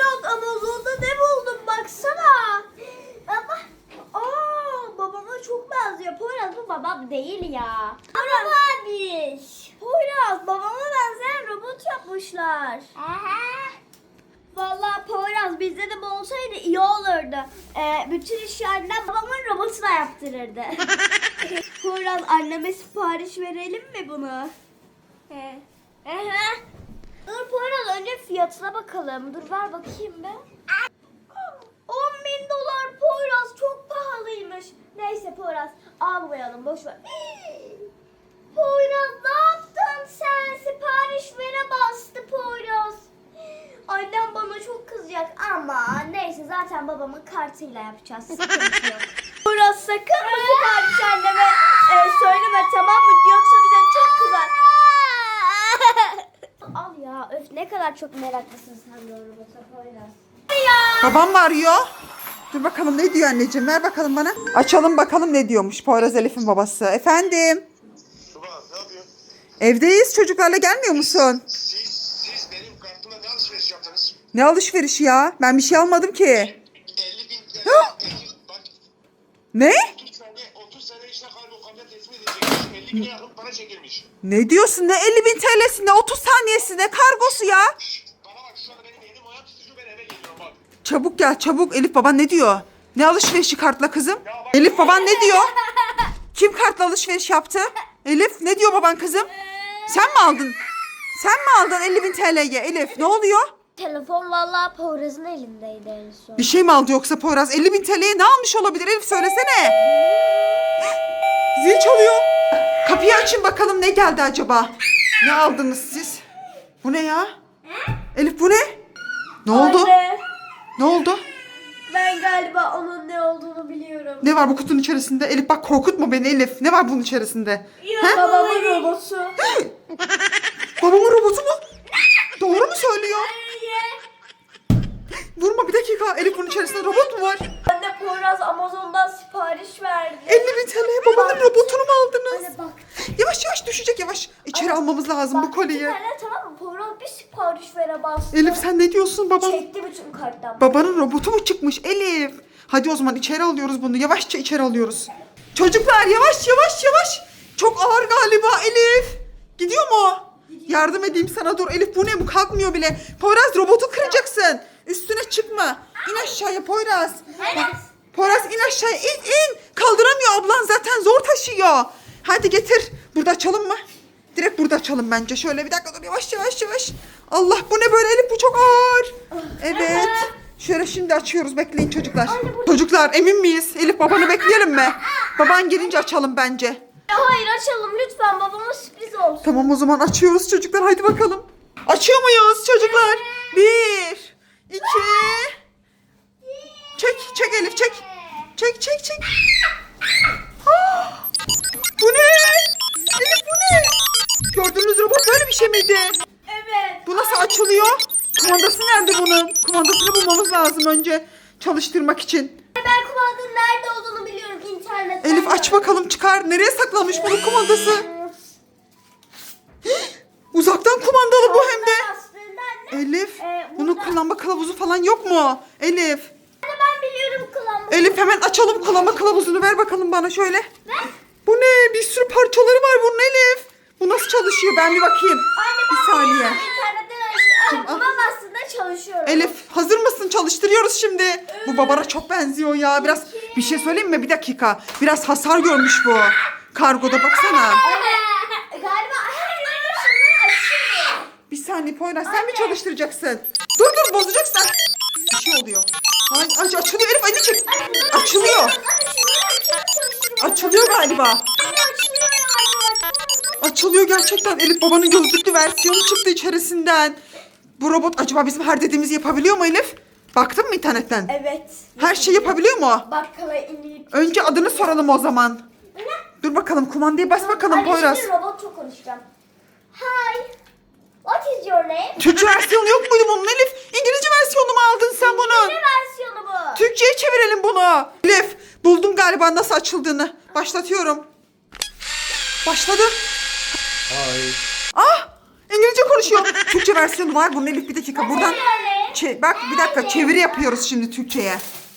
Poyraz Amazon'da ne buldum baksana. Ama babama çok benziyor. Poyraz bu babam değil ya. Araba abi. Poyraz babama benzeyen robot yapmışlar. Vallahi Poyraz bizde de bu olsaydı iyi olurdu. Bütün işi annem babamın robotuna yaptırırdı. Poyraz anneme sipariş verelim mi bunu? Dur Poyraz önce fiyatına bakalım. Dur ver bakayım be. 10.000 dolar Poyraz çok pahalıymış. Neyse Poyraz almayalım boş ver. Poyraz ne yaptın sen? Sipariş vere bastı Poyraz. Annem bana çok kızacak ama neyse zaten babamın kartıyla yapacağız. Sıkıntı yok. Poyraz sakın bu sipariş anneme söyleme tamam mı? Yoksa bize çok kızar. Al ya öf ne kadar çok meraklısın sen de o robota Poyraz. Babam mı arıyor? Dur bakalım ne diyor anneciğim, ver bakalım bana. Açalım bakalım ne diyormuş Poyraz Elif'in babası. Efendim? Tuba ne yapıyorsun? Evdeyiz, çocuklarla gelmiyor musun? Siz benim kartıma ne alışveriş yaptınız? Ne alışverişi ya? Ben bir şey almadım ki. 50.000 TL. Bak Ne? 30 sene işte kargo kamyon teslim edecekmiş. 50.000'e yakın para çekilmiş. Ne diyorsun? Ne 50.000 TL'si, ne 30 saniyesi, ne kargosu ya? Bana bak şu anda benim elim ayağım tutucu, ben eve geliyorum bak. Çabuk gel çabuk. Elif baban ne diyor? Ne alışverişi kartla kızım? Ya bak- Elif baban ne diyor? Kim kartla alışveriş yaptı? Elif ne diyor baban kızım? Sen mi aldın? Sen mi aldın 50.000 TL'ye Elif? Ne oluyor? Telefon vallahi Poyraz'ın elindeydi en son. Bir şey mi aldı yoksa Poyraz? 50.000 TL'ye ne almış olabilir Elif söylesene. Zil çalıyor. Kapıyı açın bakalım ne geldi acaba? Ne aldınız siz? Bu ne ya? Elif bu ne? Ne oldu? Anne, Ne oldu? ben galiba onun ne olduğunu biliyorum. Ne var bu kutunun içerisinde? Elif bak korkutma beni Elif. Ne var bunun içerisinde? He? Babamın robotu. Babamın robotu mu? Doğru mu söylüyor? Vurma bir dakika. Elif bunun içerisinde robot mu var? Anne Poyraz Amazon'dan sipariş verdi. 50.000 TL'ye babanın robotunu mu aldınız? Anne bak. Yavaş yavaş düşecek yavaş. İçeri almamız lazım bu Bak kolyeyi. bir tane tamam mı? Poyraz bir sipariş vere bastı. Elif sen ne diyorsun baban? Çekti bütün karttan. Babanın robotu mu çıkmış Elif? Hadi o zaman içeri alıyoruz bunu. Yavaşça içeri alıyoruz. Çocuklar yavaş yavaş yavaş. Çok ağır galiba Elif. Gidiyor mu? Yardım edeyim sana dur. Elif bu ne bu kalkmıyor bile. Poyraz robotu kıracaksın. Üstüne çıkma. İn aşağıya Poyraz. Poyraz in aşağıya in. Kaldıramıyor ablan zaten zor taşıyor. Hadi getir. Burada açalım mı? Direkt burada açalım bence. Şöyle bir dakika dur yavaş yavaş yavaş. Allah bu ne böyle Elif bu çok ağır. Evet. Şöyle şimdi açıyoruz bekleyin çocuklar. Çocuklar emin miyiz? Elif babanı bekleyelim mi? Baban gelince açalım bence. Hayır açalım lütfen babama sürpriz olsun. Tamam o zaman açıyoruz çocuklar haydi bakalım. Açıyor muyuz çocuklar? 1, 2. Çek Elif çek. Çek. Ah! Bu ne? Elif bu ne? Gördüğünüz robot böyle bir şey miydi? Evet. Bu nasıl açılıyor? Kumandası nerede bunun? Kumandasını bulmamız lazım önce çalıştırmak için. Ben kumandanın nerede olduğunu biliyorum internetten. Elif aç bakalım çıkar. Nereye saklanmış bunun kumandası? Uzaktan kumandalı bu hem de. Aslında anne. Elif burada- bunun kullanma kılavuzu falan yok mu? Elif. Anne ben biliyorum kullanmayı. Elif hemen açalım kullanma kılavuzunu ver bakalım bana şöyle. Bu ne? Bir sürü parçaları var bunun Elif. Bu nasıl çalışıyor? Ben bir bakayım. Bir saniye. İnternetten açtım. Tamam. Babam aslında çalışıyor. Elif hazır mısın? Çalıştırıyoruz şimdi. Bu babana çok benziyor ya. Biraz bir şey söyleyeyim mi? Bir dakika. Biraz hasar görmüş bu. Kargoda baksana. Galiba her yeri şunları açıyor. Bir saniye Poyraz sen mi çalıştıracaksın? Dur bozacaksın. Bir şey oluyor. Ay açılıyor Elif hadi çek. Açılıyor. Açılıyor galiba. Açılıyor gerçekten. Elif babanın gözlüklü versiyonu çıktı içerisinden. Bu robot acaba bizim her dediğimizi yapabiliyor mu Elif? Baktın mı internetten? Evet. Her şey yapabiliyor mu? Bakkala inip. Önce adını soralım o zaman. Dur bakalım kumandaya bas bakalım Poyraz. Şimdi robotla konuşacağım. Hi. What is your name? Türkçe versiyonu yok muydu bunun Elif? İngilizce versiyonu mu aldın sen bunun? Ne versiyonu bu? Türkçe'ye çevirelim bunu. Elif buldum galiba nasıl açıldığını. Başlatıyorum. Başladı. Hayır. Ah İngilizce konuşuyor. Türkçe versiyonu var bunun Elif bir dakika buradan. Yani. Bak bir dakika çeviri yapıyoruz şimdi Türkçe'ye.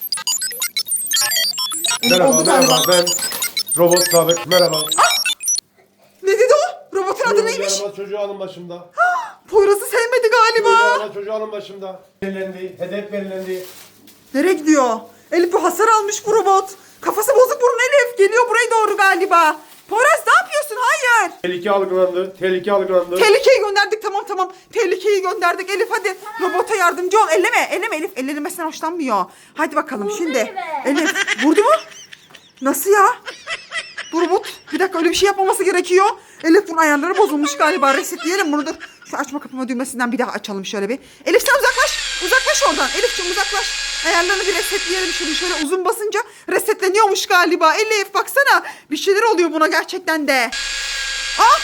Merhaba, Oldu galiba. merhaba. Ben Robot Sadık. Merhaba. Ne dedi o? Robotun adı neymiş? Merhaba, çocuğu alın başımda. Poyraz'ı sevmedi galiba. Merhaba, çocuğu alın başımda. Belirlendi, hedef belirlendi. Nereye gidiyor? Elif bu hasar almış bu robot. Kafası bozuk bunun Elif. Geliyor buraya doğru galiba. Poyraz ne yapıyorsun? Hayır. Tehlike algılandı, tehlike algılandı. Tehlikeyi gönderdik tamam. Tehlikeyi gönderdik Elif hadi. Robota yardımcı ol. Elleme Elif. Ellenmesinden hoşlanmıyor. Hadi bakalım Vurdu şimdi. elime. Elif vurdu mu? Nasıl ya? Bu robot bir dakika öyle bir şey yapmaması gerekiyor. Elif bunun ayarları bozulmuş galiba. Resetleyelim bunu dur. Şu açma kapama düğmesinden bir daha açalım şöyle bir. Elif sen uzaklaş. Uzaklaş oradan. Elif'ciğim uzaklaş. Ayarlarını bir resetleyelim şimdi. Şöyle uzun basınca resetleniyormuş galiba. Elif baksana. Bir şeyler oluyor buna gerçekten de. Aa!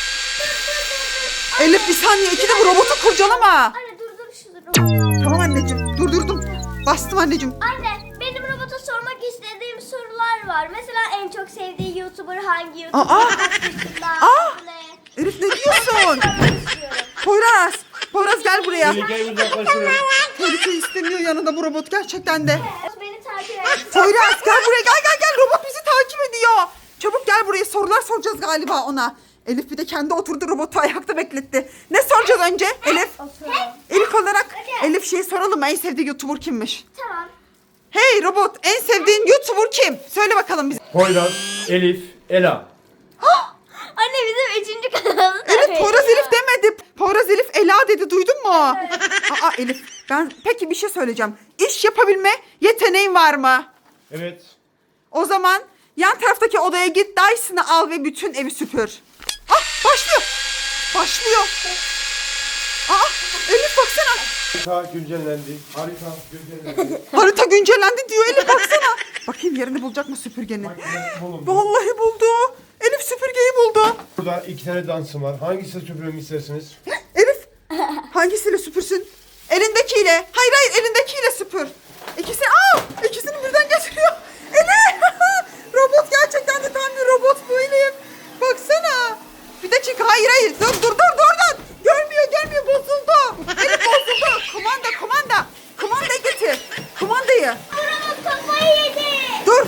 Elif bir saniye. İkide bu robotu kurcalama. Anne durdur şu robotu. Tamam anneciğim. Durdurdum. Bastım anneciğim. Anne benim robota sormak istediğim sorular var. Mesela en çok sevdiği YouTuber hangi YouTuber? Aa! Kaç yaşında? Aa! adı ne? Elif ne diyorsun? Sormak istiyorum. Poyraz gel buraya. Tehlikeyi uzaklaştırın. Tehlike istemiyor yanında bu robot gerçekten de. Beni takip et. Poyraz gel buraya gel. Robot bizi takip ediyor. Çabuk gel buraya sorular soracağız galiba ona. Elif bir de kendi oturdu robotu ayakta bekletti. Ne soracağız önce Elif? Oturalım. İlk olarak Elif şey soralım en sevdiği YouTuber kimmiş? Tamam. Hey robot en sevdiğin YouTuber kim? Söyle bakalım bize. Poyraz, Elif, Ela. Anne bizim 3. kanalımız. Elif Poyraz Elif demedi. Poyraz Elif Ela dedi duydun mu? Aa Elif ben peki bir şey söyleyeceğim. İş yapabilme yeteneğin var mı? Evet. O zaman yan taraftaki odaya git Dyson'ı al ve bütün evi süpür. Ah başlıyor. Başlıyor. Aa Elif baksana. Harita güncellendi. Harita güncellendi. Harita güncellendi diyor Elif baksana. Bakayım yerini bulacak mı süpürgenin? Makine bulundu. Vallahi buldu. Elif süpürgeyi buldu. Burada 2 tane dansım var. Hangisini süpürmemi istersiniz? Elif hangisiyle süpürsün? Elindekiyle. Hayır elindekiyle süpür. İkisini birden getiriyor. Elif robot gerçekten de tam bir robot bu Elif. Baksana. Bir dakika hayır dur. Görmüyor bozuldu. Elif bozuldu. Kumanda. Kumandayı getir. Kumandayı. Robot kafayı yedi. Dur.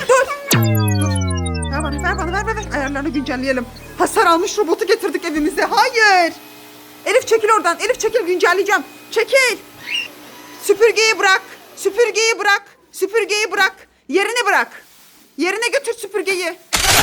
Ver bana. Ayarlarını güncelleyelim. Hasar almış robotu getirdik evimize. Hayır. Elif çekil oradan. Elif çekil güncelleyeceğim. Çekil. Süpürgeyi bırak. Yerine bırak. Yerine götür süpürgeyi.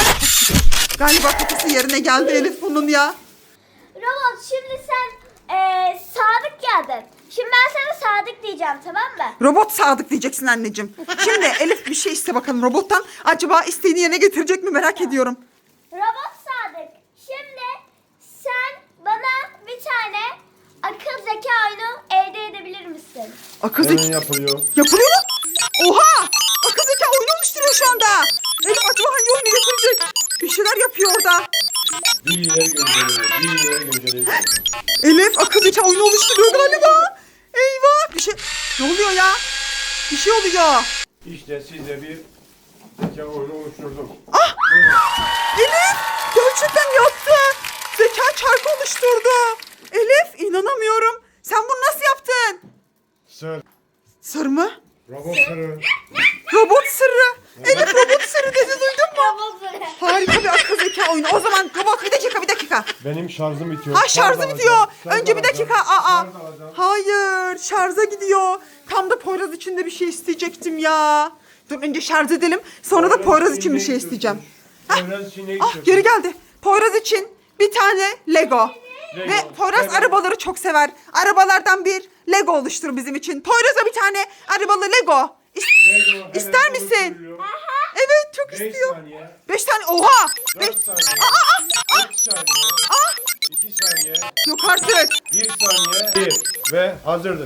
Galiba kafası yerine geldi Elif bunun ya. Robot şimdi sen Sadık geldin. Şimdi ben sana Sadık diyeceğim tamam mı? Robot Sadık diyeceksin anneciğim. Şimdi Elif bir şey iste bakalım robottan. Acaba isteğini yerine getirecek mi merak ediyorum. Robot Sadık. Şimdi sen bana bir tane akıl zeka oyunu elde edebilir misin? Akıl Hemen zeka yapılıyor. yapılıyor mu? Oha! Akıl zeka oyunu oluşturuyor şu anda. Elif acaba hangi oyunu getirecek? Bir şeyler yapıyor orada. Bilgileri gönderiyor. Elif akıl zeka oyunu oluşturuyor galiba. Eyvah! Ne oluyor ya? Bir şey oluyor. İşte size bir zeka oyunu oluşturdum. Ah! Elif gerçekten yaptı. Zeka çarkı oluşturdu. Elif inanamıyorum. Sen bunu nasıl yaptın? Sır. Sır mı? Robot sırrı. Robot sırrı. Elif robot sırrı dedi duydun mu? Robot Sadık. Harika bir akıl zeka oyunu. O zaman robot bir dakika. Benim şarjım bitiyor. Ha şarjı Şarj bitiyor. alacağım, şarj Önce bir alacağım, dakika. Aa. şarj alacağım. Hayır şarja gidiyor. Tam da Poyraz için de bir şey isteyecektim ya. Dur önce şarj edelim. Sonra da Poyraz için bir şey isteyeceğim. Poyraz için ne Ah istiyorsun? geri geldi. Poyraz için bir tane Lego. Lego, Ve Poyraz evet. arabaları çok sever. Arabalardan bir Lego oluştur bizim için. Poyraz'a bir tane arabalı Lego. Lego hemen İster misin? oluşturuluyor. Evet çok 5 istiyor. saniye. 5 tane oha. 4 saniye. 3 saniye. 2 saniye. Yok artık. 1 saniye. 1 ve hazırdır.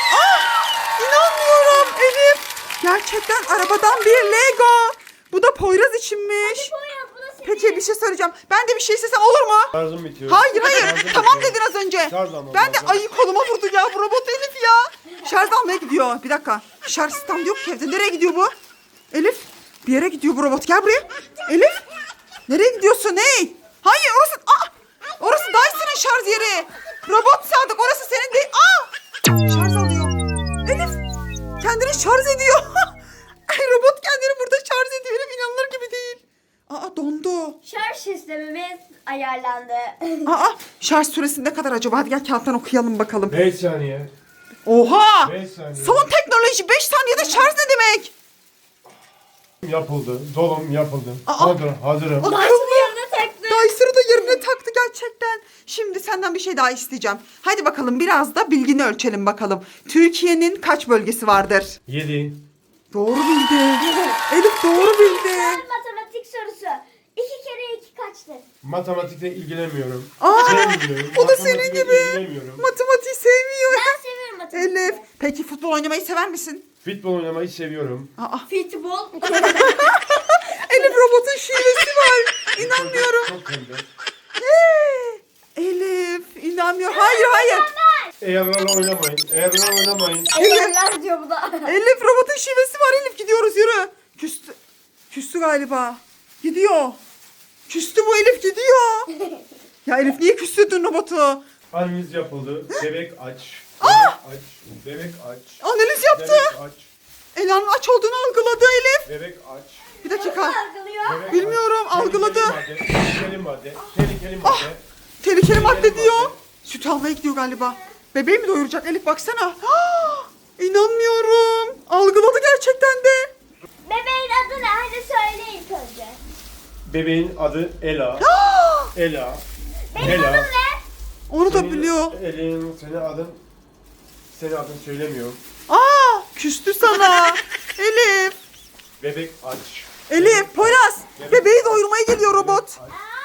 İnanmıyorum Elif. Gerçekten arabadan bir Lego. Bu da Poyraz içinmiş. Poyraz bu da senin. Peki bir şey söyleyeceğim. Ben de bir şey istesem olur mu? Şarjım bitiyor. Hayır. Şarjım Tamam bitiyor. dedin az önce. Şarj almam Ben de lazım. ayı koluma vurdu ya bu robot Elif ya. Şarj almaya gidiyor. Bir dakika. Şarj standı yok ki evde. Nereye gidiyor bu? Elif bir yere gidiyor bu robot. Gel buraya. Elif nereye gidiyorsun? Hey. Hayır orası. Orası Dyson'ın şarj yeri. Robot Sadık orası senin değil. Şarj alıyor. Elif kendini şarj ediyor. Ay, robot kendini burada şarj ediyor. Elif inanılır gibi değil. Aa, dondu. Şarj sistemimiz ayarlandı. Aa, şarj süresi ne kadar acaba? Hadi gel kağıttan okuyalım bakalım. 5 saniye. Oha! 5 saniye. Son teknoloji 5 saniyede şarj ne demek? Yapıldı. Dolum yapıldı. Aa. Hazırım. Başını yerine taktı. Dyser'ı da yerine taktı gerçekten. Şimdi senden bir şey daha isteyeceğim. Hadi bakalım biraz da bilgini ölçelim bakalım. Türkiye'nin kaç bölgesi vardır? 7. Doğru bildi. Elif doğru bildi. Matematik sorusu. 2 kere 2 kaçtır? Matematikle ilgilenmiyorum. Aa, Sevmiyorum. o da senin Matematikle gibi. ilgilenmiyorum. Matematiği sevmiyor. Ben seviyorum matematik. Elif. Peki futbol oynamayı sever misin? Futbol oynamayı seviyorum. Aa, Futbol. Elif robotun şivesi var. İnanmıyorum. Çok tembel. Elif inanmıyor. Hayır. Eğerlerle oynamayın. Eğerlerle oynamayın. Ayarlar diyor bu da. Elif robotun şivesi var. Elif gidiyoruz yürü. Küstü. Küstü galiba. Gidiyor. Küstü bu Elif gidiyor. Ya Elif niye küstürdün robotu? Analiz yapıldı. Bebek aç. Bebek aç. Bebek aç. Analiz yaptı. Bebek aç. Ela'nın aç olduğunu algıladı Elif. Bebek aç. Bir dakika. Algılıyor. Bebek Bilmiyorum, aç. algıladı. Tehlikeli madde. Tehlikeli madde. Tehlikeli madde Tehlikeli diyor. madde. Süt almaya gidiyor galiba. Bebeği mi doyuracak Elif baksana. İnanmıyorum. Algıladı gerçekten de. Bebeğin adı ne? Hadi söyle ilk önce. Bebeğin adı Ela. Ela. Benim Ela. adım ne? Onu da biliyor. Senin adın söylemiyor. Küstü sana. Elif. Bebek aç. Elif, Poyraz. Bebeği doyurmaya geliyor robot. Aç.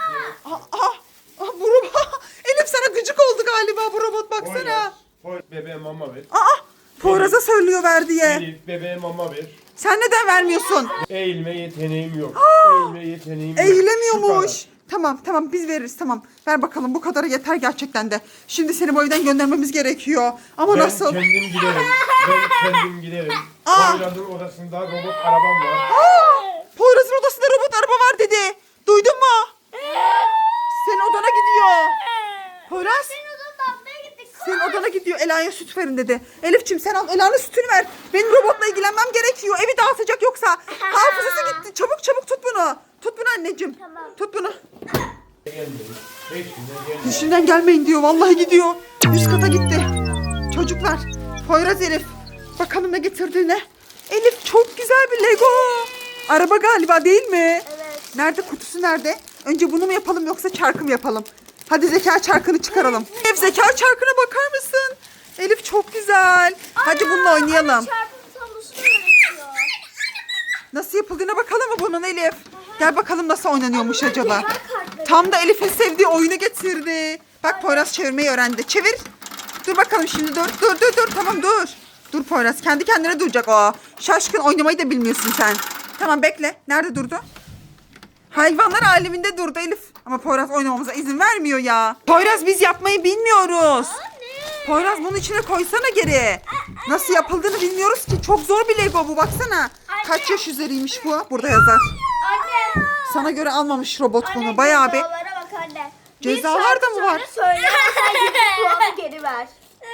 Bu robot. Elif sana gıcık oldu galiba bu robot baksana. Bebeğe mama ver. Poyraz'a söylüyor ver diye. Elif bebeğe mama ver. Sen neden vermiyorsun? Eğilme yeteneğim yok. Eğilme yeteneğim yok. Şu Eğilemiyormuş. kadar. Tamam biz veririz tamam. Ver bakalım bu kadarı yeter gerçekten de. Şimdi seni bu evden göndermemiz gerekiyor. Ama Ben nasıl? kendim giderim. Ben kendim giderim. Poyraz'ın odasında robot arabam var. Poyraz'ın odasında robot araba var dedi. Duydun mu? Senin odana gidiyor. Poyraz. Senin odanı atmaya gittik. Senin odana gidiyor. Ela'ya süt verin dedi. Elif'ciğim sen al Ela'nın sütünü ver. Benim robotla ilgilenmem gerekiyor. Evi dağıtacak yoksa. Hafızası gitti. Çabuk tut bunu. Tut bunu anneciğim. Tamam. Tut bunu. Gelmeyin. Peşinden gelmeyin. Peşinden gelmeyin diyor. Vallahi gidiyor. Üst kata gitti. Çocuklar. Poyraz Elif. Bakalım ne getirdiğine. Elif çok güzel bir Lego. Araba galiba değil mi? Evet. Nerede kutusu nerede? Önce bunu mu yapalım yoksa çarkı mı yapalım? Hadi zeka çarkını çıkaralım. Elif zeka çarkına bakar mısın? Elif çok güzel. Hadi bununla oynayalım. Çarpım tablosunu öğretiyor. Nasıl yapıldığına bakalım mı bunun Elif? Gel bakalım nasıl oynanıyormuş Bunlar acaba. cevher kartları. Tam da Elif'in sevdiği oyunu getirdi. Bak Poyraz çevirmeyi öğrendi. Çevir. Dur bakalım şimdi dur. Tamam dur. Dur Poyraz kendi kendine duracak o. Şaşkın oynamayı da bilmiyorsun sen. Tamam bekle. Nerede durdu? Hayvanlar aleminde durdu Elif. Ama Poyraz oynamamıza izin vermiyor ya. Poyraz biz yapmayı bilmiyoruz. Poyraz bunun içine koysana geri. Nasıl yapıldığını bilmiyoruz ki. Çok zor bir Lego bu baksana. Kaç yaş üzeriymiş bu? Burada yazar. Anne. Sana göre almamış robot Anne, bunu. Bayağı bir. cezalara bak anne. Cezalar da mı var? Söylemezsen 100 puanı geri ver.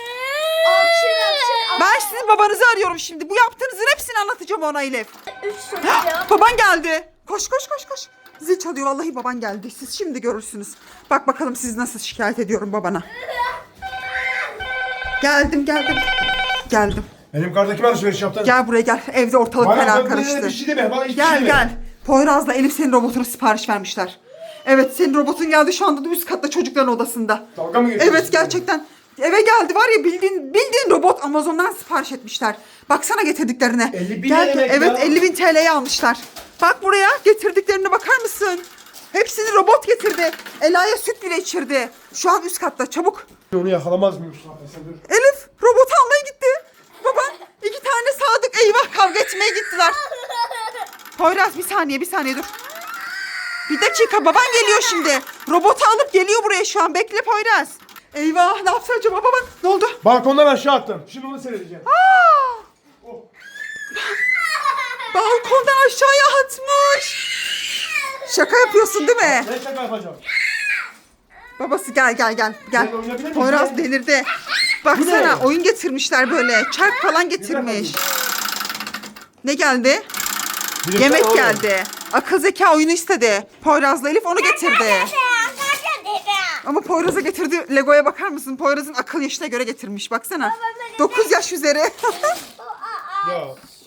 Alçın. Ben sizin babanızı arıyorum şimdi. Bu yaptığınızın hepsini anlatacağım ona Elif. 3 soru cevap. Baban geldi. Koş. Zil çalıyor. Vallahi baban geldi. Siz şimdi görürsünüz. Bak bakalım siz nasıl şikayet ediyorum babana. Geldim. Benim kartdaki alışveriş yaptın. Gel buraya gel. Evde ortalık Bana fena bir karıştı. şey deme. Bana hiçbir şey Gel deme. gel. Poyraz'la Elif senin robotuna sipariş vermişler. Evet senin robotun geldi şu anda da üst katta çocukların odasında. Dalga mı geçiyorsun? Evet gerçekten. Eve geldi var ya bildiğin robot Amazon'dan sipariş etmişler. Baksana getirdiklerine. 50.000 Gel, ne demek evet ya? 50.000 TL'ye almışlar. Bak buraya getirdiklerine bakar mısın? Hepsini robot getirdi. Ela'ya süt bile içirdi. Şu an üst katta çabuk. Onu yakalamaz mıyım? Sen dur. Elif robotu almaya gitti. Baba 2 tane sadık eyvah kavga etmeye gittiler. Poyraz bir saniye dur. Bir dakika baban geliyor şimdi. Robotu alıp geliyor buraya şu an. Bekle Poyraz. Eyvah ne yapsa acaba baban? Ne oldu? Balkondan aşağı attım. Şimdi onu seyredeceğim. Oh. Balkondan aşağıya atmış. Şaka yapıyorsun değil mi? Ne şaka yapacağım? Babası gel. Ben oynayabilir miyim? Poyraz Gel. delirdi. Baksana Bu ne? oyun getirmişler böyle. Çark falan getirmiş. Ne geldi? Birisi Yemek oğlum. geldi. Akıl zeka oyunu istedi. Poyraz'la Elif onu getirdi. Ama Poyraz'a getirdi. Lego'ya bakar mısın? Poyraz'ın akıl yaşına göre getirmiş. Baksana. 9 yaş üzeri. Ya